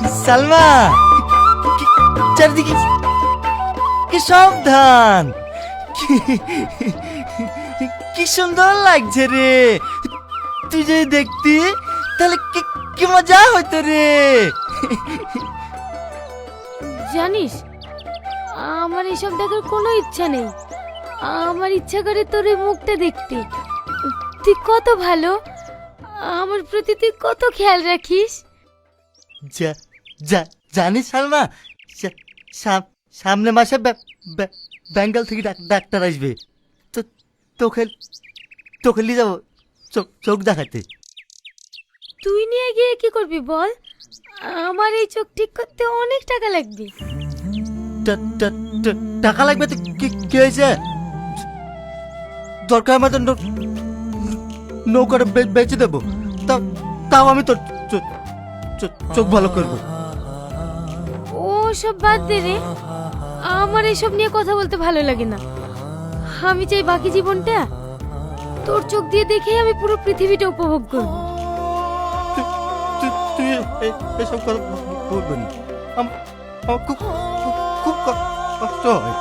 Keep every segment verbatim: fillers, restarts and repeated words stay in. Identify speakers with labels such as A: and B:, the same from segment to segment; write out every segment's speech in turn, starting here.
A: সালমা, চারিদিকে কি সাবধান, কি সুন্দর লাগছে রে। তুই যদি দেখতি তাহলে কি- কি মজা হইতো রে।
B: জানিস, আমার এসব দেখার কোনো ইচ্ছা নেই। আমার ইচ্ছা করে তোর এই মুখটা দেখতে। তুই কত ভালো, আমার প্রতি তুই কত খেয়াল রাখিস।
A: যা- যা- জানিস সালমা, সা- সাম- সামনে মাসে বে- বে- বেঙ্গল থেকে ডাক- ডাক্তার আসবে। তো তোকে তোকে নিয়ে যাবো চোখ চোখ দেখাতে।
B: তুই নিয়ে গিয়ে কি করবি বল? আমার এই চোখ ঠিক করতে অনেক টাকা লাগবে।
A: টা- টা- টা- টাকা লাগবে তো কি কি হয়েছে? দরকার মতো নৌকাটা বে- বেচে দেবো, তাও তাও আমি তোর চো- চো- চোখ ভালো করবো।
B: ও সব বাদ দে রে, আমার এসব নিয়ে কথা বলতে ভালো লাগে না। আমি চাই বাকি জীবনটা তোর চোখ দিয়ে দেখেই আমি পুরো পৃথিবীটা উপভোগ করব।
A: তুই- তুই- তুই এ- এসব কথা বলবি না। আম- আমার খুব খুব- খুব ক- কষ্ট হয়।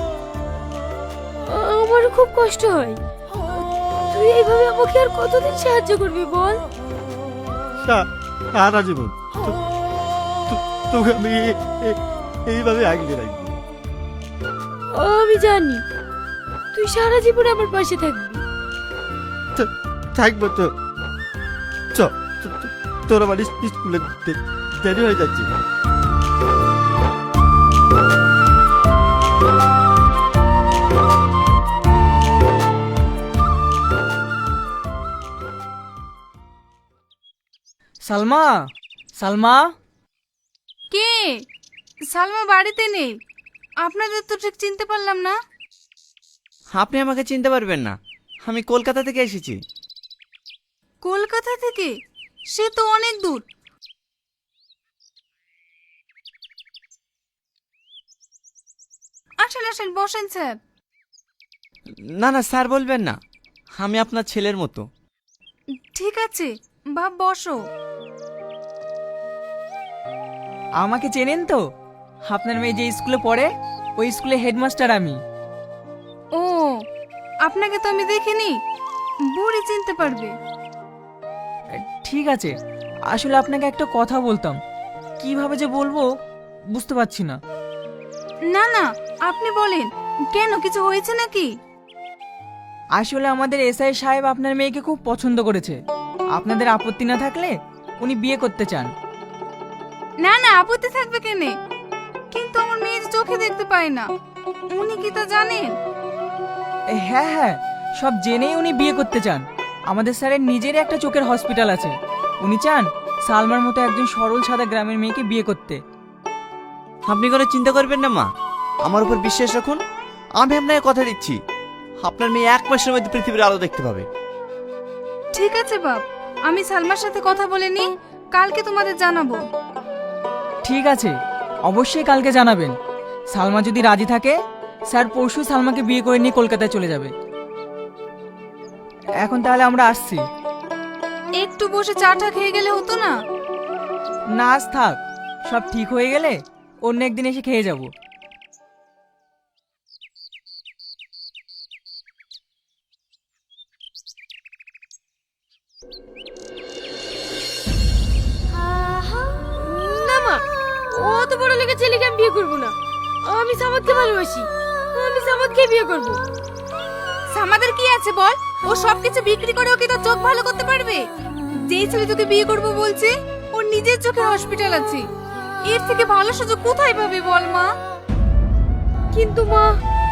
B: আমারও খুব কষ্ট হয়। তুই এইভাবে আমাকে আর কতদিন সাহায্য করবি বল?
A: সা- সারা জীবন তো- তো- তোকে আমি এ- এ- এইভাবে আগলে রাখবো।
B: আমি জানি তুই সারা জীবন আমার পাশে থাকবি।
A: তো- থাকবো তো। চ তো- তো- তোর আমার ইস- স্কুলে দে- দেরি হয়ে যাচ্ছে।
C: সালমা, সালমা,
D: কে? সালমা বাড়িতে নেই। আপনাদের তো ঠিক চিনতে পারলাম না।
C: আপনি আমাকে চিনতে পারবেন না, আমি কলকাতা থেকে এসেছি।
D: কলকাতা থেকে? সে তো অনেক দূর। আসেন আসেন, বসেন স্যার।
C: না না স্যার বলবেন না, আমি আপনার ছেলের মতো।
D: ঠিক আছে বাপ, বসো।
E: আমাকে চেনেন তো? আপনার মেয়ে যে স্কুলে পড়ে ওই স্কুলে হেডমাস্টার আমি।
D: ও, আপনাকে তো আমি দেখিনি, বুড়ি চিনতে পারবে।
E: ঠিক আছে, আসলে আপনাকে একটা কথা বলতাম, কিভাবে যে বলবো বুঝতে পারছি না।
D: না না, আপনি বলেন, কেন কিছু হয়েছে নাকি?
E: আসলে আমাদের এসআই সাহেব আপনার মেয়েকে খুব পছন্দ করেছে। আপনাদের আপত্তি না থাকলে উনি বিয়ে করতে চান।
D: না না, আপত্তি থাকবে কেনে? কিন্তু আমার মেয়ের চোখে দেখতে পায় না, উনি কি তা জানেন?
E: এ, হ্যাঁ হ্যাঁ, সব জেনেই উনি বিয়ে করতে চান। আমাদের স্যারের নিজেরই একটা চোখের হসপিটাল আছে। উনি চান সালমার মতো একজন সরল সাদা গ্রামের মেয়েকে বিয়ে করতে।
C: আপনি কোনো চিন্তা করবেন না মা, আমার উপর বিশ্বাস রাখুন। আমি আপনাকে কথা দিচ্ছি, আপনার মেয়ে এক মাসের মধ্যে পৃথিবীর আলো দেখতে পাবে।
D: ঠিক আছে বাপ, আমি সালমার সাথে কথা বলে নি, কালকে তোমাদের জানাবো।
E: ঠিক আছে, অবশ্যই কালকে জানাবেন। সালমা যদি রাজি থাকে স্যার পরশু সালমাকে বিয়ে করে নিয়ে কলকাতায় চলে যাবে। এখন তাহলে আমরা আসছি।
D: একটু বসে চাটা খেয়ে গেলে হতো না?
E: না আজ থাক, সব ঠিক হয়ে গেলে অন্য একদিন এসে খেয়ে যাব।
B: না মা, অত বড় লেগে ছেলেকে আমি বিয়ে করবো না। আমি সামাদকে ভালোবাসি, আমি সামাদকে বিয়ে করবো।
D: আমাদের কি আছে বল? ও সবকিছু বিক্রি করে ওকে তো চোখ ভালো করতে পারবে। যেই ছেলে তোকে বিয়ে করবো বলছে, ওর নিজের চোখে হসপিটাল আছে। এর থেকে ভালো সুযোগ কোথায় পাবে বল মা?
B: কিন্তু মা,